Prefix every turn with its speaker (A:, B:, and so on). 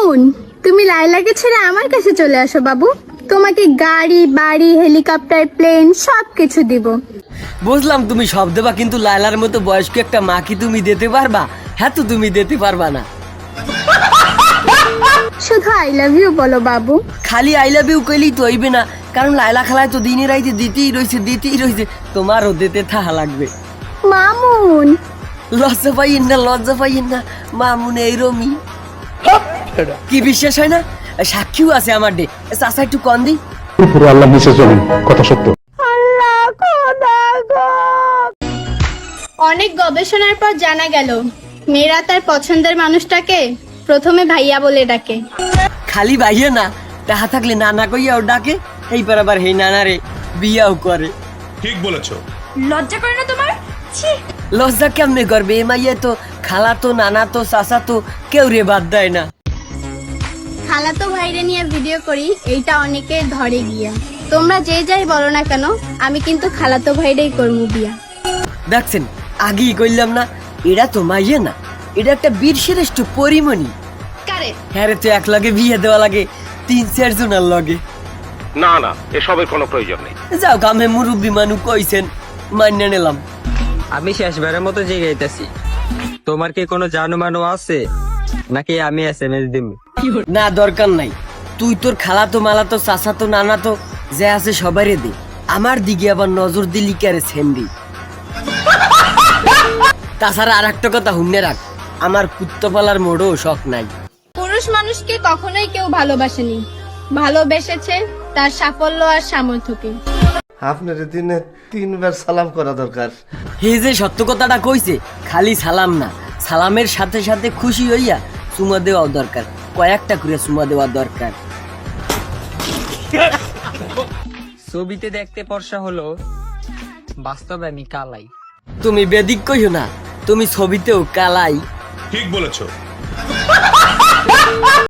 A: মামুন, তুমি লাইলাকে ছেড়ে আমার কাছে চলে আসো বাবু। তোমাকে গাড়ি বাড়ি হেলিকপ্টার প্লেন সবকিছু দিব।
B: বুঝলাম তুমি সব দেবা, কিন্তু লায়লার মতো বয়স্ক একটা মা কি তুমি দিতে পারবা? হ্যাঁ, তো তুমি দিতে পারবা না।
A: শুধু আই লাভ ইউ বলো বাবু।
B: খালি আই লাভ ইউ কইলেই তো হইবে না, কারণ লায়লা খালায় তো দিনে রাইতে দিতেই রয়েছে। তোমারও দিতে থাকা লাগবে।
A: মামুন,
B: লজ্জা পাইয়েন না মামুন এইরমি। কি বিশ্বাস হয় না? সাক্ষীও আছে আমার ডে। চাচা একটু কন দি।
C: পুরো আল্লাহ নিচে চলেন, কথা সত্য।
A: অনেক গবেষণার পর জানা গেল মেয়েরা তার পছন্দের মানুষটাকে প্রথমে ভাইয়া বলে ডাকে।
B: খালি ভাইয়া না, তাহা থাকলে নানা কইয়াও ডাকে। এইবার আবার হেই নানারে বিয়াও করে।
D: ঠিক বলেছো।
E: লজ্জা করে না তোমার? ছি।
B: লজ্জা কেমনে করবে? এ মাইয়া তো খালা তো নানা তো চাচা তো কেউ রে বাদ দেয় না।
A: খালাতো ভাইরে নিয়ে ভিডিও করি, এইটা অনেকে ধরে গিয়া। তোমরা যে যাই বলো না কেন, আমি কিন্তু খালাতো ভাইরেই করবো বিয়া।
B: দেখছেন, আগেই কইলাম না, এরা তো মাইয়া না, এটা একটা বীর শ্রেষ্ঠ পরিমণি। হ্যাঁ রে, তো এক লগে বিয়ে দেওয়া লাগে 3-4 জনের লগে।
D: না না, এসবের কোনো প্রয়োজন নেই।
B: যাও, কামে মুরব্বী মানুষ কইছেন, মান্য নিলাম।
F: আমি শেষবারের মতো জিগাইতেছি, তোমার কি কোনো জানুমানু আছে নাকি আমি SMS দিম?
B: না, দরকার নাই। তুই তোর খালা তো মালা তো চাচা তো নানা তো যে আছে সবারই দে। আমার দিকে আবার নজর দিলি কারে সেন্ডি। তাছাড়া আর একটা কথা হুন্নে রাখ, আমার কুত্তপালার মোড়ও শখ নাই।
A: পুরুষ মানুষকে কখনোই কেউ ভালোবাসেনি, ভালোবেসেছে তার সাফল্য আর সামর্থ্যকে।
G: আপনার দিনে 3 বার সালাম করা দরকার।
B: হে যে সত্য কথাটা কইছে, খালি সালাম না, সালামের সাথে সাথে খুশি হইয়া চুমা দেওয়াও দরকার। কয়েকটা করে চুমা দেওয়া দরকার।
F: ছবিতে দেখতে ফর্সা হলো, বাস্তবে আমি কালাই।
B: তুমি বেদিক কইও না, তুমি ছবিতেও কালাই।
D: ঠিক বলেছো।